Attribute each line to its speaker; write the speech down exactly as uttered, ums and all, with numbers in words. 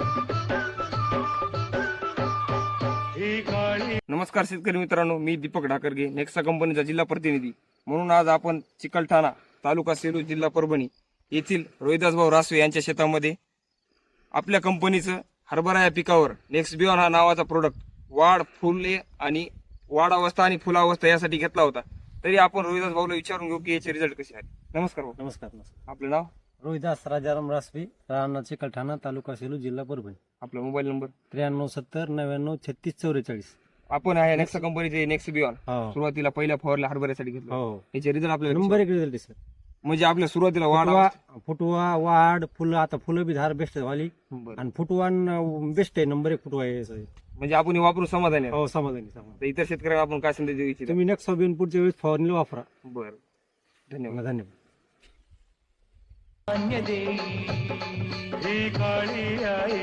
Speaker 1: नमस्कार शेतकरी मित्रांनो, मी दीपक ढाकरगे, नेक्सा कंपनीचा जिल्हा प्रतिनिधी म्हणून आज आपण चिकलठाणा तालुका सेलू जिल्हा परभणी येथील रोहिदास भाऊ रासवे यांच्या शेतामध्ये आपल्या कंपनीचं हरभरा या पिकावर नेक्स्ट बियॉन हा नावाचा प्रोडक्ट वाढ फुले आणि वाढ अवस्था आणि फुलावस्था यासाठी घेतला होता. तरी आपण रोहिदास भाऊला विचारून घेऊ की याचे रिझल्ट कसे आले. नमस्कार भाऊ.
Speaker 2: नमस्कार नमस्कार
Speaker 1: आपलं नाव?
Speaker 2: रोहिदास राजाराम रासवे, राहणार चिकलठाणा, तालुका सेलू, जिल्हा परभणी.
Speaker 1: आपला मोबाईल नंबर?
Speaker 2: त्र्याण्णव सत्तर नव्याण्णव छत्तीस चौवेचाळीस.
Speaker 1: आपण आहे नेक्सा कंपनीचे नेक्स्ट बियॉन
Speaker 2: हो
Speaker 1: सुरुवातीला पहिल्या फवारल्या हरभऱ्यासाठी घेतलं.
Speaker 2: हो
Speaker 1: याचे रिझल्ट आपल्याला
Speaker 2: नंबर एक रिझल्ट सर.
Speaker 1: म्हणजे आपल्या सुरुवातीला वाढ
Speaker 2: फुटवा
Speaker 1: अवस्था-
Speaker 2: फुटवा वाढ फुलं, आता फुलं बी धार बेस्ट झाली
Speaker 1: बरं.
Speaker 2: आणि फुटवा बेस्ट आहे, नंबर एक फुटवा आहे सर.
Speaker 1: म्हणजे आपण हे वापरून समाधानी आहे.
Speaker 2: हो समाधानी समाधानी.
Speaker 1: तर इतर शेतकऱ्यांना आपण काय संदेश देऊ इच्छितो?
Speaker 2: तुम्ही नेक्स्ट सोबीन पुढच्या वेळेस फवारणीला वापरा.
Speaker 1: बरं, धन्यवाद.
Speaker 2: धन्यवाद.
Speaker 3: ही काळी आई